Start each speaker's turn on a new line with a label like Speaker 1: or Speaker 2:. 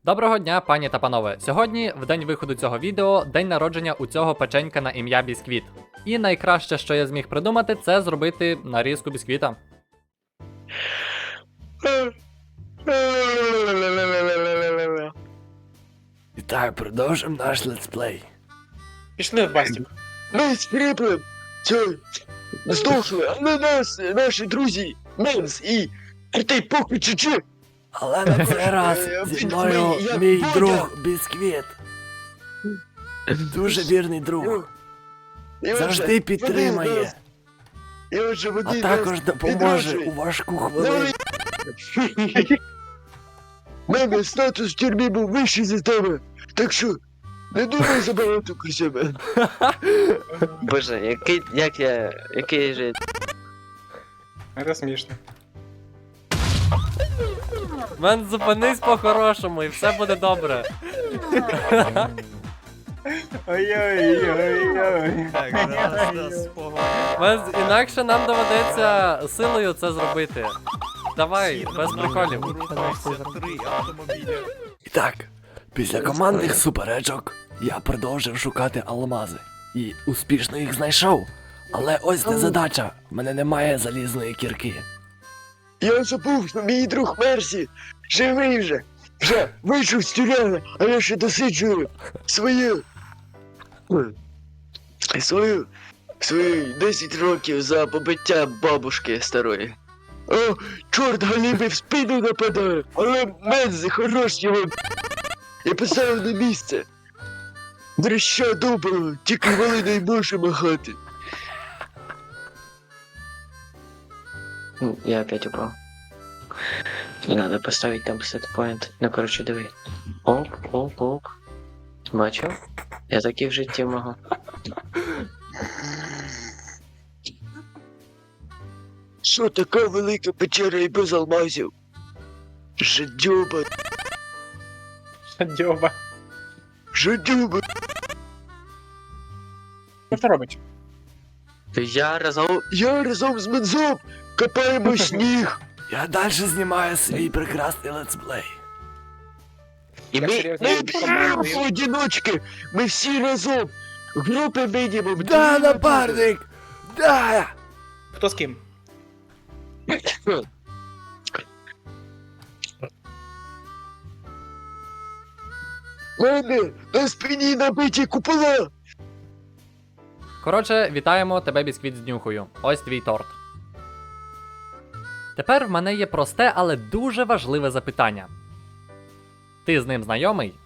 Speaker 1: Доброго дня, пані та панове. Сьогодні, в день виходу цього відео, день народження у цього печенька на ім'я Бісквіт. І найкраще, що я зміг придумати, це зробити нарізку бісквіта.
Speaker 2: І так, продовжимо наш летсплей.
Speaker 3: Пішли в бастік.
Speaker 4: Ми з Філіпом здохли, але наші друзі Менс і Артей Похуй Чичи.
Speaker 2: Але на цей раз зі мною
Speaker 4: Я
Speaker 2: мій
Speaker 4: Бодя.
Speaker 2: друг Бісквіт. Дуже вірний друг. Завжди підтримає, а також допоможе у важку хвилину.
Speaker 4: Мене статус в тюрмі був вищий за тебе, так що не думай забагато про себе.
Speaker 5: Боже, який же...
Speaker 3: Це смішно.
Speaker 1: Мен, зупинись по-хорошому і все буде добре.
Speaker 3: Ой-ой-ой-ой.
Speaker 1: Мен, інакше нам доведеться силою це зробити. Давай, без приколів.
Speaker 2: І так, після командних суперечок я продовжив шукати алмази. І успішно їх знайшов. Але ось не задача, в мене немає залізної кірки.
Speaker 4: Я забув, що мій друг Мерсі живий вже вийшов з тюряги, а я ще досиджую свою 10 років за побиття бабушки старої. О, чорт галіби в спину нападає, але Мензи хорош його. Я поставив на місце. Дрища доброго, тільки вали не може махати.
Speaker 5: Я опять упал. Надо поставить там сетпоинт. Ну, короче, диви. Оп. Бачив? Я таки в житті можу.
Speaker 4: Що така велика печера і без алмазів? Жадьоба,
Speaker 3: Шадьоба.
Speaker 4: жадьоба.
Speaker 3: Що це робить?
Speaker 4: Я разом з Мензом копаємо сніг.
Speaker 2: Я далі знімаю свій прекрасний летсплей.
Speaker 4: І
Speaker 3: Я
Speaker 4: ми
Speaker 3: серйозно,
Speaker 4: не
Speaker 3: я
Speaker 4: бігаємо
Speaker 3: командую.
Speaker 4: одиночки. Ми всі разом. Групи мінімум.
Speaker 2: Да, напарник! Да!
Speaker 3: Хто з ким?
Speaker 4: Мене на спині набиті купола.
Speaker 1: Коротше, вітаємо тебе, Бісквіт, з днюхою. Ось твій торт. Тепер в мене є просте, але дуже важливе запитання. Ти з ним знайомий?